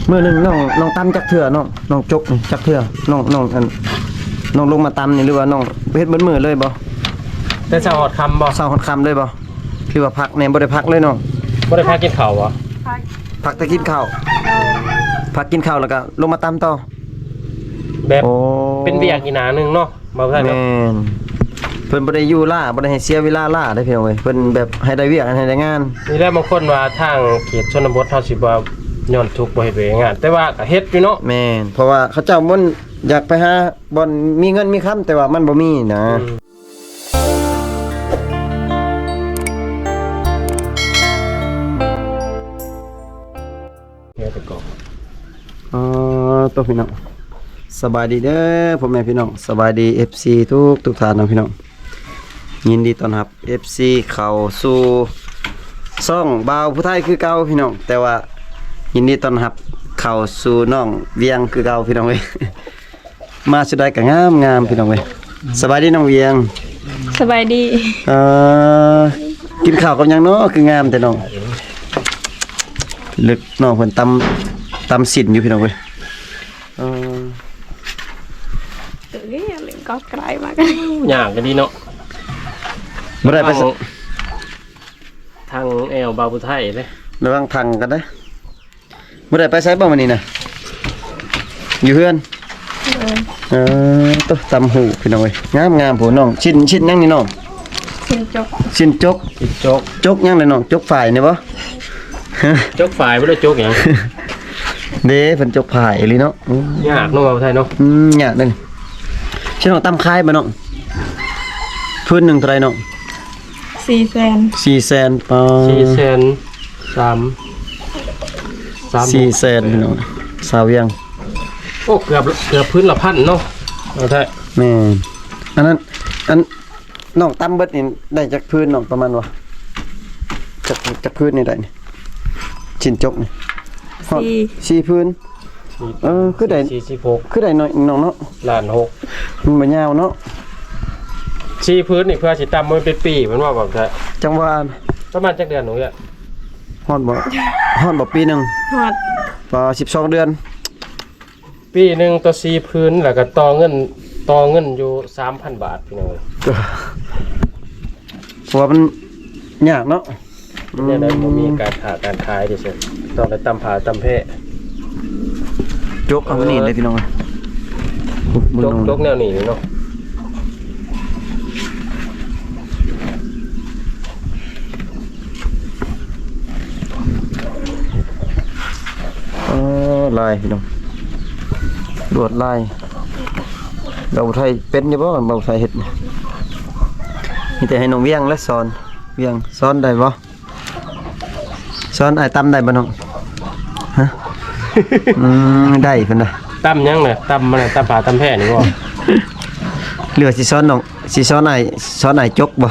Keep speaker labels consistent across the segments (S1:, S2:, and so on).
S1: มื้อนึงน้องตำจักเทื่อน้องจกจักเทื่อน้องอันน้องลงมาตำนี่หรือว่าน้องเฮ็ดเบิดมื้อเลยบ่
S2: แต่เช้าฮอดค่ำบ่
S1: เช้าฮอดค่ำเลยบ่คือว่าพักเนี่ยบ่ได้พักเลยน้อง
S2: บ่ได้พากินข้าวบ่
S1: พักแต่กินข้าวพักกินข้าวแล้วก็ลงมาตำต่อ
S2: แบบ
S1: โอ้
S2: เป็นเวียกอีกหนานึงเนาะบ่ได้เนาะ
S1: แม่นเพิ่นบ่ได้อยู่ล่าบ่ได้ให้เสียเวลาล่าได้เพียงเว้ยเพิ่นแบบให้ได้เวียกให้ได้งาน
S2: นี่แหละบางคนว่าทางเขตชนบทเฮาสิบ่ย้อนทุกข์บ่เฮ็ดเวยงานแต่ว่าก็เฮ็ดอยู่เนาะ
S1: แม่นเพราะว่าเขาเจ้ามันอยากไปหาบ่อนมีเงินมีคำแต่ว่ามันบ่มีนะ
S2: เฮ็ดไปก่อน
S1: ตัวพี่น้องสบายดีเด้อพ่อแม่พี่น้องสบายดี FC ทุกท่านนะพี่น้องยินดีต้อนรับ FC เข้าสู่ช่องบ่าวผู้ไทยคือเก่าพี่น้องแต่ว่ายินดีต้อนรับเข้าสู่น้องเวียงคือเก่าพี่น้องเว้ย มาสุดได้ก็งามพี่น้องเว้ยสบายดีน้องเวียง
S3: สบายดี
S1: กินข้าวกับหยังเนาะคืองามแต่น้องลึกน้องเพิ่นตำสินอยู่พี่น้องเว้ย
S3: เอ้ยเล่นก็ไกลมาก
S2: ยากก็ดีเนาะ
S1: บ่ได้ไป
S2: ทางแอวบาวพุไทยเด้
S1: ระวังพังกันนะบ่ได้ไปไสบ่มื้อนี้น่ะอยู่เฮือนตัวตำหูพี่น้องเว้ยงามผู้น้องชิ้นยังนี่น้อง
S3: ชินจก
S1: ชิ้นจก
S2: จิจก
S1: จกยังเลยน้องจกฝ่ายนี่บ่
S2: จกฝ่ายบ่ได้จกหยัง
S1: เด้เพิ่นจกฝ่ายอีหลีเนาะ
S2: ยากเนาะบาวพุไทยเนาะ
S1: ยากเด้อชิ้นน้องตำคายบ่น้องพื้นหนึงเท่าไหร่น้อง
S3: 400,000
S1: 400,000ปอ 400,000พี่น้องสาวเวียง
S2: โอ้เกือบพื้นละพันเนาะเอาไทย
S1: แม่อันนั้นน้องตำเบิดนี่ได้จากพื้นน้องประมาณว่าจากพื้นนี่ได้นี่ชิ้นจกนี่ฮอด4พื้นคือได้
S2: 46
S1: คือได้น้อยน้องเนาะ
S2: ล้าน6
S1: มันบ่ยาวเนาะ
S2: ชี้พื้นนี่เพื่อสิตำมันเป็นปีมันว่าแบบไทย
S1: จังหว่า
S2: ประมาณจักเดือนหนูอ่ะ
S1: ฮอดบ่ปีหนึง
S3: ฮอด
S1: พอ12เดือน
S2: ปีหนึงต่อชี้พื้นแล้วก็ต่อเงินอยู่ 3,000 บาทพี่น้องเอ้ย
S1: เพราะว่ามันยากเนาะ
S2: เนี่ยได้บ่มีการขายดิเซ่ต้องไปตำผาตำแพะ
S1: จกเอามานี่เลยพี่น้อง
S2: จกแนวนี้เนาะ
S1: ลายพี่น้องลวดลายเราไทยเป็นอยู่บ่เราไทยเฮ็ดมีแต่ให้น้องเวียงและสอนเวียงสอนได้บ่สอนอ้ายตำได้บ่น้องฮะ ได้เพิ่นน่ะ
S2: ตำยังน่ะตำมันน่ะตำผาตำแพะนี่บ่
S1: เหลือสิสอนน้องสิสอนอ้ายจกบ่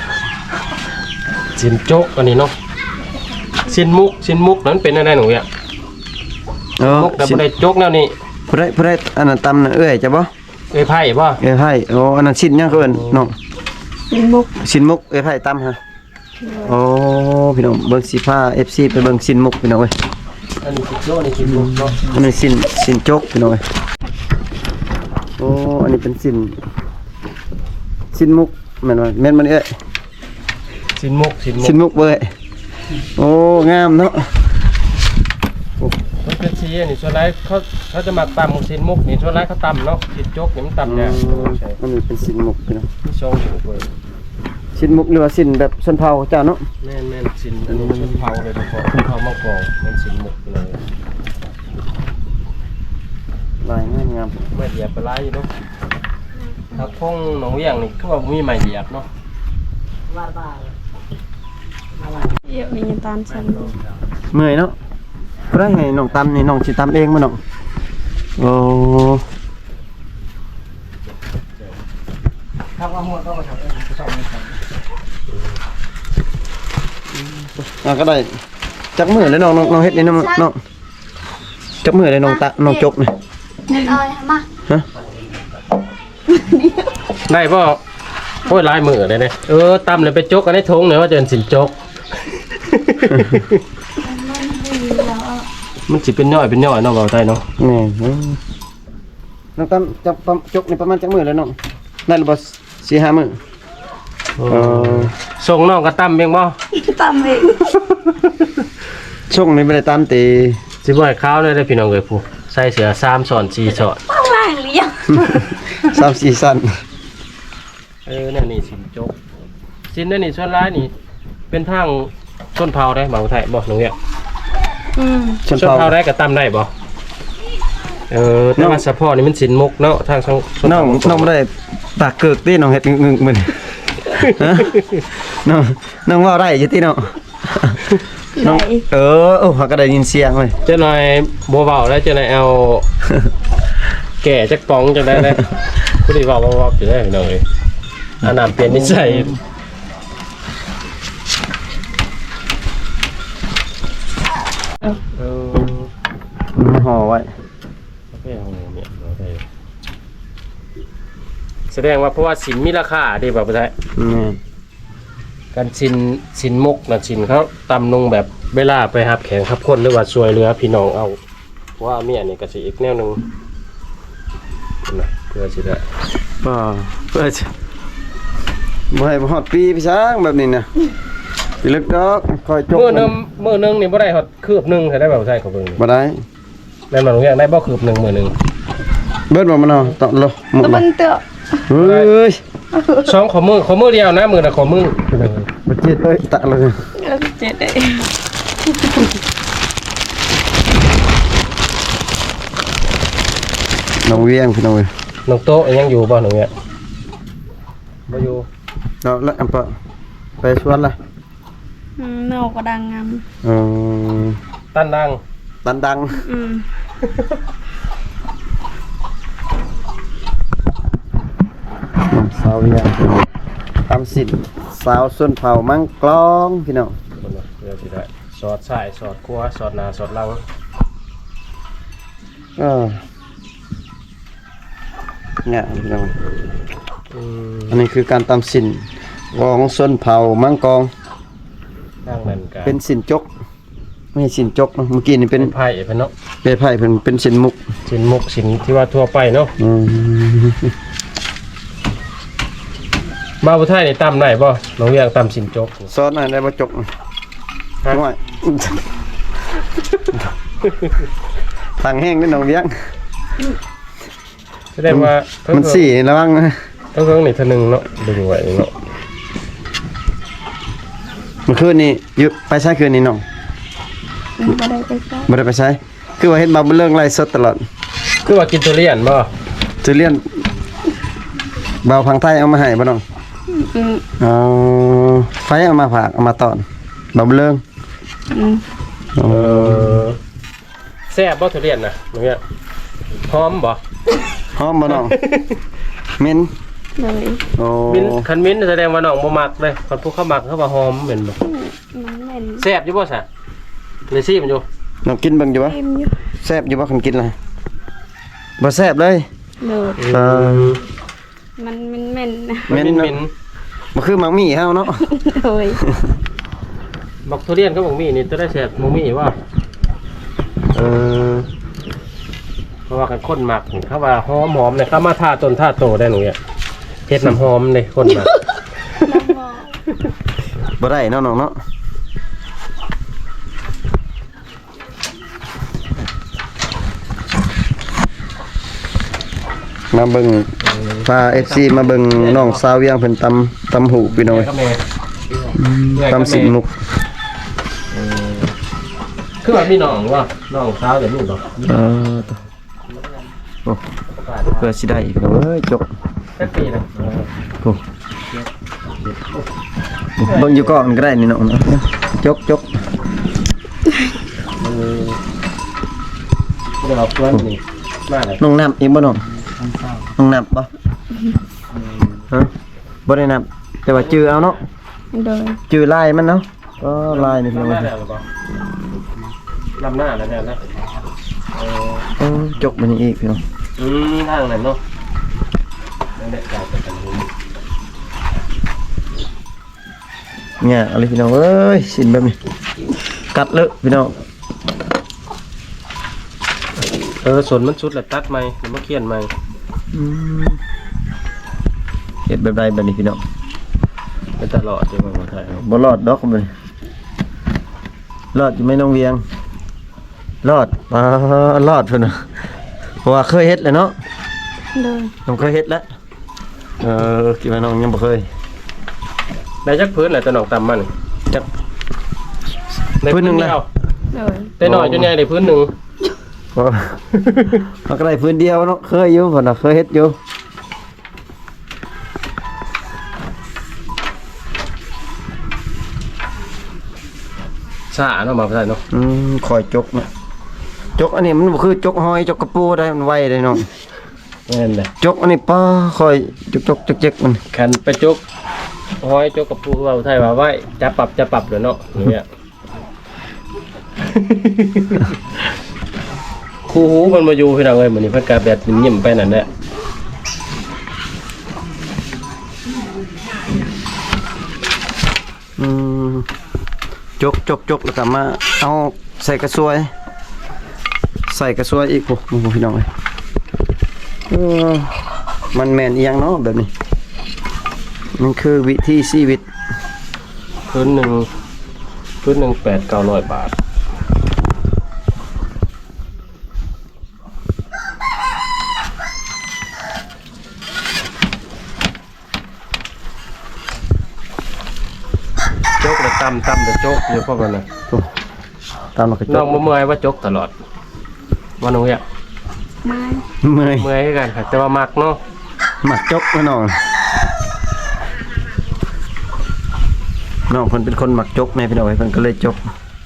S2: สินจกอันนี้เนาะสินมุกนั้นเป็นอะไรหนูอ่ะมุกแต่บ่ได้จกแนวนี้
S1: ผู้ใดอันนั้นตำน่ะเอ้ยจะบ่
S2: เอ้ยไผ่บ่
S1: เอ้ยไผโอ้อันนั้นชิ้นยังเขาเอิ้นน้อง
S3: ชินมุก
S1: ชิ้นมุกเอ้ยไผตำฮะโอ้พี่น้องเบิ่งสิพา FC ไปเบิ่งชิ้นมุกพี่น้องเอ้ย
S2: อันนี้สิโลนี่สิมุกเนาะ
S1: อันนี้สินจกพี่น้องเอ้ยโอ้อันนี้เป็นสินมุกแม่นบ่แม่นมันเอ้ย
S2: สินมุก
S1: สินมุกเว้ยโอ้งามเนาะ
S2: มันเป็นสีอันนี้ส่วนไรเขาจะมาตำสินมุกนี่ส่วนไรเขาตำเนาะสินจกนี่มันตำเนี่ยใช่
S1: อันนี้เป็นสินมุกพี่น้อง
S2: มีช่องอยู่เว้ย
S1: สินมุกหรือว่าสินแบบชนเผ่าเจ้าเนาะ
S2: แม่นสินอันนี้ชนเผ่าเลยเฉพาะชนเผ่ามังกรมันสินมุกเลย
S1: ลายงาม
S2: ไม่เหยียบไปไล่เนาะถ้าพงหนองเวียงนี่คือว่ามีไม้เหยียบเนาะ
S3: เยอะมีตอนฉัน
S1: เมื่อยเนาะเพื่อให้น้องตำนี่น้องสิตำเองมั้ยน้องโอ้
S2: ถ้าว่าหัวต้องมาทำเองชอบนี่ครับ
S1: ก็ได้จักมือเลยน้องเฮ็ดนี่น้องจักมือเลยน้องจกนี่
S3: เอามา
S1: ฮะ
S2: ได้ป่ะโอ้ยลายมือเลยเนี่ยตำเลยไปจกกันในทงเนี่ยว่าจะเป็นสินจกมันสิเป็นย่อยเนาะเบาใจเนาะ
S1: แม่น้องตั้มจับจกนี่ประมาณจักมื้อแล้วน้องได้หรือบ่4-5 มื้อ
S2: ส่งน้องก็ตั้มเพียงบ่
S3: ตามเอง
S1: ช่วงนี้บ่ได้ตามตี
S2: สิบ่ให้ขาวเลยได้อพี่น้องเอ้ยผู้ใส่เสื้อ3ช้อน4ช้อน
S3: ต้องล่างเลี้ยง
S1: 3-4สั้น
S2: นั่นนี่สินจกสินนั่นนี่ส่วนร้ายนี่เป็นทางชนเผ่าได้บ่าวไทยบ่น้องเนี่ย
S1: ชน
S2: ชน
S1: เผ่า
S2: เผ่าได้ก็ตั้มได้บ่แต่ว่าเฉพาะนี่มันสินมุกเนาะทางชน
S1: น้องบ่ได้ปากเกิกติน้องเฮ็ดงึกๆมื้อนี้ฮะน้องเว้าได้อยู่ติเนาะน้องเขาก็ได้ยินเสียงเว้ย
S2: เจ้าหน่อยบ่เว้าแล้วเจ้าหน่อยเอาแก่จักป๋องจังได้เลยผู้ที่เว้าอยู่ได้พี่น้องเอ้ยอันนั้นเปลี่ยนนิสัย
S1: ห่อไว้
S2: แสดงว่าเพราะว่าสินมีราคาดีแบบไทยการสินมุกนะสินเขาตำลงแบบเวลาไปหับแข่งขับคนหรือว่าช่วยเหลือพี่น้องเอาว่าเมียนี่ก็สิอีกแนวหนึงนะเพื่อสิได้
S1: เพื่อจะบ่ให้ฮอดปีพี่ช้างแบบนี้นะพี่ลึกดอกคอยจก
S2: มื้อนึงนี่บ่ได้ฮอดคืบหนึงใช่ได้แบบไทยเขาเบิ่ง
S1: บ่ได้
S2: แม่นบ่ลงอย่างได้บ่คืบหนึงมื้อนึง
S1: เบิดบ่มันเอาตะโลหมด
S3: ตะ
S1: บ่
S3: บันเตอะ
S1: เฮ้ย
S2: สองขอมือเดียวนะมือน่ะขอมือ
S1: บ่เจ็ดเอ้ยตะเลย
S3: แล้วก็เจ็ดได้
S1: น้องเวียงพี่น้องเว้ย
S2: น้องโตยังอยู่บ่น้องเนี่ยบ่อยู่
S1: เราละอันปะไปสวนล่ะ
S3: เน่าก็ดังงาม
S2: ตันดัง
S1: ดังสาวเวียงตามสินสาวส้นเผามังกลองพี่น้อง
S2: คนละเพื่อสิได้สอดซ้ายสอดขวาสอดหน้าสอดหลัง
S1: เนี่ยพี่น้องอันนี้คือการตามสินของส้นเผามังกอง
S2: ทางนั้นก็
S1: เป็นสินจกไม่ใช่สินจกเนาะเมื่อกี้นี่เป็น
S2: ไผ่เพิ่นเนาะ
S1: เปไผ่เป็นสินมุก
S2: สินมุกสินที่ว่าทั่วไปเนาะมาบ่ไทยนี่ตำได้บ่น้องเรียกตำสินจก
S1: ซอสหน่อยได้บ่จกหน่อยทางแห้งนิดหน่อยเลี้ยง
S2: แสดงว่า
S1: มันสี่ระวังนะ
S2: เพิ่งนี่เท่านึงเนาะดึงไว้เนาะ
S1: เมื่อคืนนี้อยู่ไปใช้คืนนี้น้อง
S3: บ่ได้ไปซะ
S1: บ่ได้ไปใช้คือว่าเฮ็ดมาเรื่องไล่สดตลอด
S2: คือว่ากินทุเรียนบ่
S1: จะเลียนเบาพังไทยเอามาให้บ่น้องเอาไฟเอามาฝากเอามาตอนเบาเรื่อง
S2: แซ่บบ่ทุเรียนน่ะน้องเนี่ยหอมบ่
S1: หอมบ่น้องเหม็น
S3: เลย
S1: โอ้
S2: คันมิ้นแสดงว่าน้องบ่มักเลยคนผู้เขามักเขาว่าหอมเหม็นบ่
S3: มันเหม็น
S2: แซ่บอยู่บ่ซะเลยซี่มันอยู่
S1: น้องกินเบิ่งอยู่บ่
S3: เต็มอยู่
S1: แซ่บอยู่บ่คันกินล่ะบ่แซ่บเลย
S3: เลย มันเหม็นนะ
S1: เหม็น
S2: เหม็น
S1: บ่คือมังมี่เฮาเนาะ
S3: เลย
S2: บักทุเรียนก็บักมีนี่จะได้แซ่บบักมีว่าเพราะว่ากันคนมักเขาว่าหอมๆเนี่ยเขามาท่าต้นท่าโตได้หนูเนี่ยเฮ็ดน้ำหอมเลยคนมัก
S1: บ่ได้เนาะน้องเนาะมาเบิ่งพา FC มาเบิ่งน้องสาวเวียงเพิ่นตำหูพี่น้อยตำสินมุก
S2: คือว่ามีน้องว่าน้องสาวเดี๋ยวลูกดอก
S1: โอ้เพื่อสิได้อีกแล้วเอ้ยจก
S2: แค่ปีนะ
S1: โอ้เบิ่งอยู่ก่อนก็ได้นี่เนาะจก
S2: เดี๋ยวเราเพื่อนนี่มาเลย
S1: น้องน้ำอีกบ่น้องน้องน้ำบ่ฮะบ่ได้น้ำแต่ว่าจื้อเอาเนาะ
S3: เลย
S1: จื้อลายมันเนาะก็ลายนี่พี่น้อง
S2: ลำหน้าแล้วบ่ลำหน้าแล้วเนี่ยนะ
S1: จกมันอีกพี่น้อง
S2: ทางนั้นเนาะนั่นแหละการจัดการนี้
S1: เนี่ยอะไรพี่น้องเอ้ยสินแบบนี้กัดเลอะพี่น้อง
S2: สนมันสุดแล้วตัดใหม่แล้วมาเขียนใหม่
S1: เฮ็ดแบบใดบัดนี้พี่น้อง
S2: ไปตลอดที่ว่าบ่ถ่ายเอา
S1: บ่รอดดอกเลยรอดอยู่ไหม่น้องเวียงรอดรอดเพิ่นน่ะเพราะว่าเคยเฮ็ดแล้วเนาะ
S3: เลย
S1: น้องเคยเฮ็ดแล้วคิดว่าน้องยังบ่เคย
S2: ได้จักพื้นแหละแต่น้องตำมัน
S1: จัก
S2: ได้
S1: พื้นหนึ่งเลย
S2: เดียว
S3: เลย
S2: แต่น้อยจนใหญ่ได้พื้นหนึง
S1: เพราะมันก็ได้พื้นเดียวเนาะเคยอยู่เพิ่นน่ะเคยเฮ็ดอยู่
S2: ซ่าเนาะมาบ่ได้เนาะ
S1: คอยจกเนาะจกอันนี้มันบ่คือจกหอยจกกระปูได้มันไวได้น้อง
S2: แม่นแหละ
S1: จกอันนี้ป้าคอยจกๆเจ๊กๆมัน
S2: คันไปจกห้อยจกกับผู้ว่าไทยว่าไว้จะปรับเดี๋ยวเนาะอย่างเงี้ย คู่หูมันมาอยู่พี่น้องเอ้ยมื้อนี้เพิ่นก็แบบยิ้มๆไปนั่นแหละ
S1: จกแล้วก็มาเอาใส่กระสวย ใส่กระสวยอีกโอ้โหพี่น้องเอ้ยมันแม่นอีหยังเนาะแบบนี้มันคือวิธีชีวิต
S2: พื้นหนึ่ง800-900 บาทจกแล้วตำแต่จกอยู่พวกนั้นน่ะ
S1: ตามมากระจ
S2: น้อก งบ่เมื่อยว่าจกตลอดว่าน้องเอ้ย
S3: ไม้
S1: เมื่อย
S2: เมื่อยคือกันแต่ว่ามักเนาะ
S1: หมักจกนะน้องน้องเพิ่นเป็นคนหมักจกแม่พี่น้องเอ้ยเพิ่นก็เลยจก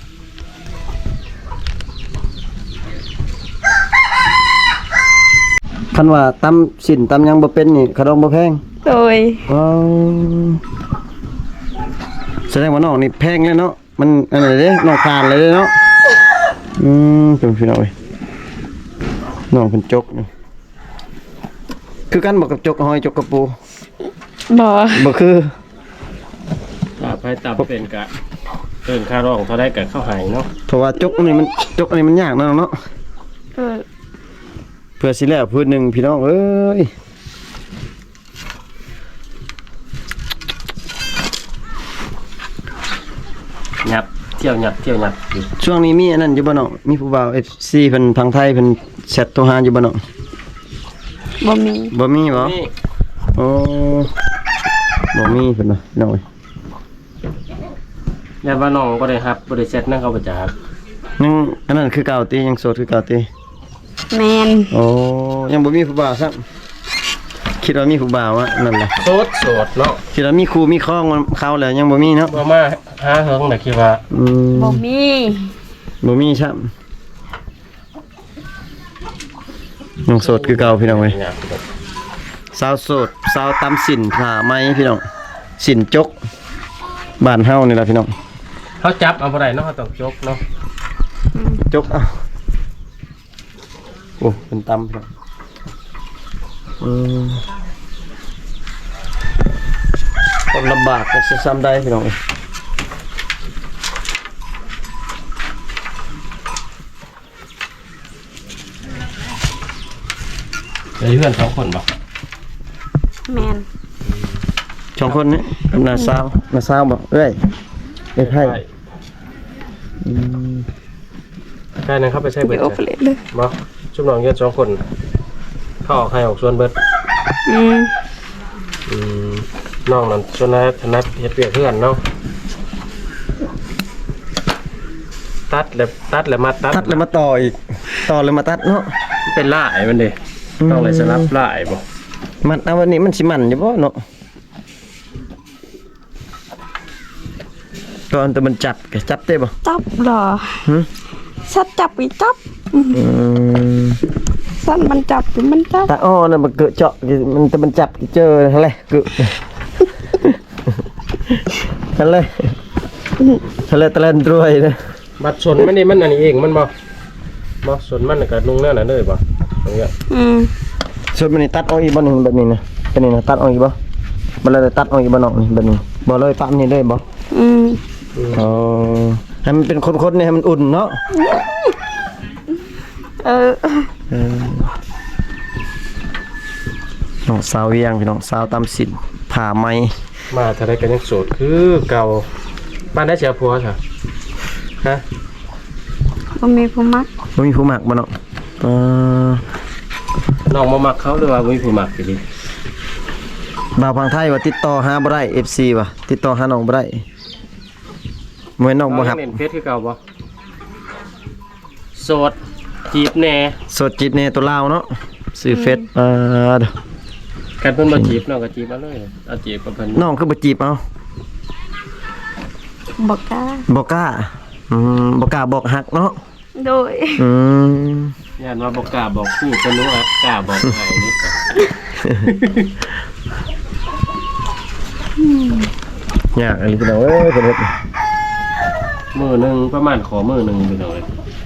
S1: คันว่าตำสินตำหยังบ่เป็นนี่ขนมบ่แพง
S3: เลย
S1: ว้าวแสดงว่าน้องนี่แพงเลยเนาะมันอะไรเด้น้องทานเลยเด้เนาะเป็นพี่น้องเอ้ยน้องเป็นจกนี่คือกันบอกกับจกหอยจกกระปู
S3: บ่
S1: บ่คือ
S2: ถ้าไปตับเป็นกะเอิ้นค่าร้องเท่าได้กะเข้าหายเนาะ
S1: เพราะว่าจกอันนี้มันยากเนาะเนาะ
S3: เลย
S1: เพื่อสิแล้วพื้นหนึ่งพี่น้องเอ้ย
S2: หยับเที่ยวหยับอยู่
S1: ช่วงนี้มีอันนั้นอยู่บ่เนาะมีผู้บ่าว FC เพิ่นทางไทยเพิ่นแชทโทรหาอยู่บ่เนาะ
S3: บ่มี
S1: บ่มีบ่
S2: นี่
S1: โอ้บ่มีเพิ่นน่ะพี่น้องเอ้ย
S2: ยาว่าน้องบ่ได้ฮับบ่ได้เซ็ตนั่นเขาบ่จัก
S1: ยังอันนั้นคือเก่าติยังโสดคือเก่าติ
S3: แมน
S1: โอ้ยังบ่มีผู้บ่าวซักคิดว่ามีผู้บ่าวอะนั่นแหละ
S2: โสดเนาะ
S1: คิดว่ามีครูมีครองมันเขาแล้วยังบ่มีเนาะ
S2: บ่มาหาเฮิงน่ะคิดว่า
S3: บ่มี
S1: บ่มีครับยังโสดคือเก่าพี่น้องเว้ย
S2: หยับ
S1: สาวโสดสาวตำสินผ้าไหมพี่น้องสินจกบ้านเฮานี่ล่ะพี่น้อง
S2: เขาจับเอาบ่ได้เนาะเขาต้องจกเนาะ
S1: จกอ่ะโอ้เป็นตำพี่น้องคนลำบากก็จะซ้ำได้พี่น้องเอ้ย
S2: ได้เพื่อน2คนบ่
S3: แมน
S1: สองคนนี้กับนาสาวบอกเอ้ยไอ้ไพ่
S2: ใช่นั่นเข้าไปใช้เบิด
S3: เดี๋ยวเอาไปเลยเลย
S2: บ่ชุบน้องเยอะ2คนเขาออกให้ออกส่วนเบิด
S3: อืม
S2: น้องนั่นส่วนนั้นถนัดเฮ็ดเวียกเพื่อนเนาะตัดแล้วมาตัด
S1: ตัดเลยมาต่ออีกต่อเลยมาตัดเนาะ
S2: เป็นลายมันดิต้องเลยสลับลายบ่
S1: มันเอาวันนี้มันสิมันอยู่บ่เนาะตอนแต่มันจับก็จับได้บ่
S3: จับเหรอ
S1: หึ
S3: สัตว์จับอีกจับ
S1: ม
S3: สัตว์มันจับมันจับ
S1: ตาอ้อน่ะมันเกอะเจาะมันแต่มันจับเจออะไรเกอะอะไรอะไรตะเลนรวยนะ
S2: บัดสนมันนี่มันอันนี้เองมันบ่สนมันน่ะก็นุ่งแนวนั้นเลยบ่ตรงเนี้ย
S1: ส่วนมันนี่ตัดออกอีกบ่นี่แบบนี้นะเป็นนี่นะตัดออกอีกบ่บ่เลยตัดออกอีกบ่เนาะนี่แบบนี้บ่เลยปั๊มนี่เลยบ่ อ๋อให้มันเป็นคนๆเนี่ยให้มันอุ่นเนาะ
S3: เออ
S1: น้องสาวเวียงพี่น้องสาวตำสินผ่าไหม
S2: มาถ้าได้กันยังโสดคือเก่าบ้านได้เสียผัวค่ะฮะ
S3: บ่มีผู้มัก
S1: บ่มีผู้มักบ่เนาะ
S2: น้องมามักเขาหรือว่าบ่มีผู้มักอยู่ดิ
S1: บ่าวพังไทยว่าติดต่อหาบ่ได้ FC ว่ะติดต่อหาน้องบ่ได้เหมือนน้องบ่ฮับ
S2: เล่นเฟซคือเก่าบ่โสดจีบแน่
S1: สดจิตแน่ตัวลาวเนาะซื้อเฟซเด้อ
S2: กันเพิ่นมาจีบน้องก็จีบมาเลยเอาจีบกับเพิ่น
S1: น้องคือบ่จีบเอา
S3: บ่กล้า
S1: บ่กล้าบ่กล้าบอกฮักเนาะ
S3: โดย
S1: อืม
S2: ย่านว่าบ่กล้าบอกคู่เพิ่นรู้ว่ากล้าบอกให้นี่
S1: ยากอันนี้พี่น้องเอ้ยเพิ่นเฮ็ด
S2: มื้อหนึงประมาณขอมื้อหนึงพี่น้องเอ้ย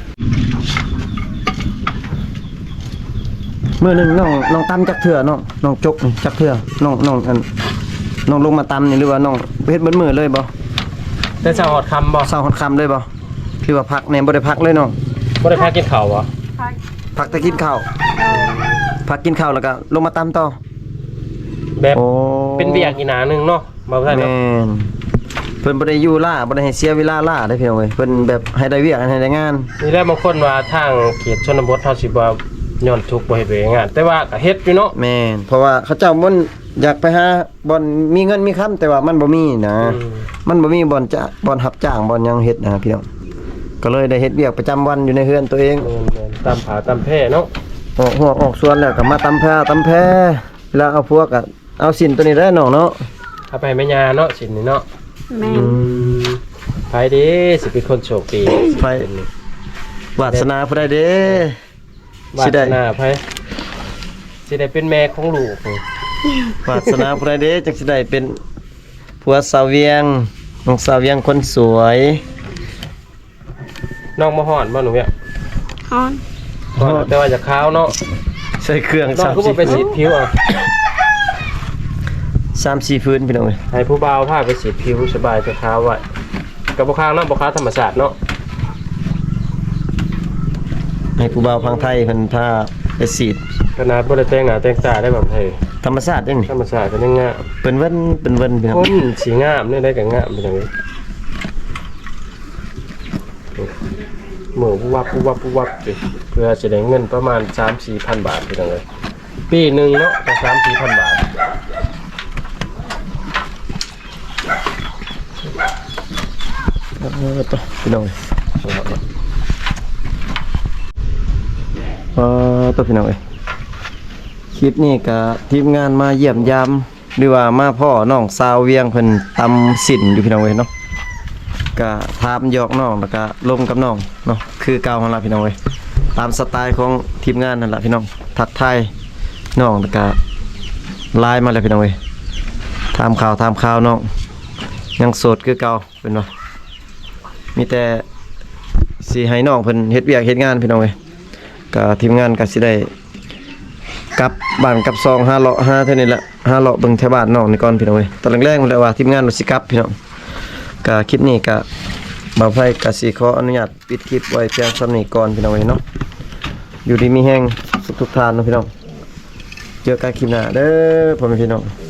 S1: มื้อหนึงน้องตำจักเทื่อน้องจกนี่จักเทื่อน้องน้องลงมาตำนี่หรือว่าน้องเฮ็ดเบิดมื้อเลยบ่
S2: แต่เช้าฮอดค่ำบ่
S1: เช้าฮอดค่ำเลยบ่คือว่าพักแหน่บ่ได้พักเลยน้อง
S2: บ่ได้พากินข้าวบ่
S3: พัก
S1: พักแต่กินข้าวพักกินข้าวแล้วก็ลงมาตำต่อ
S2: แบบ
S1: โอ้
S2: เป็นเวียกอีหนาหนึงเนาะบ่ทัน
S1: แม่
S2: เนาะ
S1: นเพิ่นบ่ได้อยู่ล่าบ่ได้ให้เสียเวลาล่าได้อพี่น้องเอ้ยเพิ่นแบบให้ได้เวียกให้ได้งาน
S2: นี่แหละบางคนว่าทางเขตชนบทเฮาสิบ่ย้อนทุกข์บ่เฮ็ดเวยงาน แต่ว่าก็เฮ็ดอยู่เนาะ
S1: แม่นเพราะว่าเขาเจ้ามันอยากไปหาบ่อนมีเงินมีคำแต่ว่ามันบ่มีนะ มันบ่มีบ่อนจะบ่อนรับจ้างบ่อนหยังเฮ็ดนะพี่น้องก็เลยได้เฮ็ดเวียกประจำวันอยู่ในเฮือนตัวเอง
S2: แม่นๆตามผาตามแพร่เนาะ
S1: ออกหัวออกสวนแล้วก็มาตำแพเวลาเอาพวกก็เอาสินตัวนี้ได้น้องเนาะ
S2: ถ้าไปแม่ย่าเนาะสินนี่เนาะ
S3: แม่น
S2: ไปเด้สิเป็นคนโชคดี
S1: ไปวาสนาผู้ใดเด้
S2: วา
S1: สิ
S2: ส
S1: ได้
S2: นาไปสิได้เป็นแม่ของลูก
S1: วาสนาผู้ใดเด้จังสิได้เป็นผัวสาวเวียงน้องสาวเวียงคนสวย
S2: น้องมาฮ้อนบ่หนูเนี่ย
S3: ฮ้อน
S2: ฮ้อนแต่ว่าจะขาวเนาะ
S1: ใส่เครื่อง
S2: น้องก็บ่ไปสีดผิวอ่ะ
S1: 3-4พื้นพี่น้องเอ้ย
S2: ให้ผู้บ่าวพาไปสีดผิวสบายจะขาวไว้ก็บ่ขาวเนาะบ่ขาวธรรมชาติเนาะ
S1: ให้ผู้บ่าวพังไทยเพิ่นพาไปสีด
S2: ขนาดบ่ได้แต่งหน้าแต่งตาได้แบบเฮ้ย
S1: ธรรมชาติเด้นี่
S2: ธรรมชาติก็ยังงาม
S1: เป็นเว้นพี่น้อง
S2: คนสีงามเนี่ยได้กับงามเป็นอย่างนี้หมูผู้วับสิเพื่อจะได้เงินประมาณ 3-4,000 บาทเป็นอย่างไรปีหนึ่งเนาะก็3-4,000 บาท
S1: ต่อพี่น้องต่อพี่น้องคลิปนี้ก็ทีมงานมาเยี่ยมยามหรือว่ามาพ่อน้องสาวเวียงเพิ่นตำสินอยู่พี่น้องเนาะก็ถามหยอกน้องแล้วก็ลมกับน้องเนาะคือเก่าหั่นล่ะพี่น้องตามสไตล์ของทีมงานนั่นล่ะพี่น้องทักทายน้องแล้วก็ไลน์มาแล้วพี่น้องถามข่าวน้องยังโสดคือเก่าเป็นว่ามีแต่สิให้น้องเพิ่นเฮ็ดเวียกเฮ็ดงานพี่น้องก็ทีมงานก็สิได้กลับบ้านกลับซอง5เลาะ5เท่านี้แหละ5เลาะเบิ่งแถวบ้านน้องนี่ก่อนพี่น้องตอนแรกๆมันแล้วว่าทีมงานสิกลับพี่น้องก็คลิปนี้ก็บ่าวไผก็สิขออนุญาตปิดคลิปไว้เพียงส่านี้ก่อนพี่น้องเนาะอยู่ดีมีแฮงทุกท่านเนาะพี่น้องเจอกันคลิปหน้าเด้อพ่อแม่พี่น้อง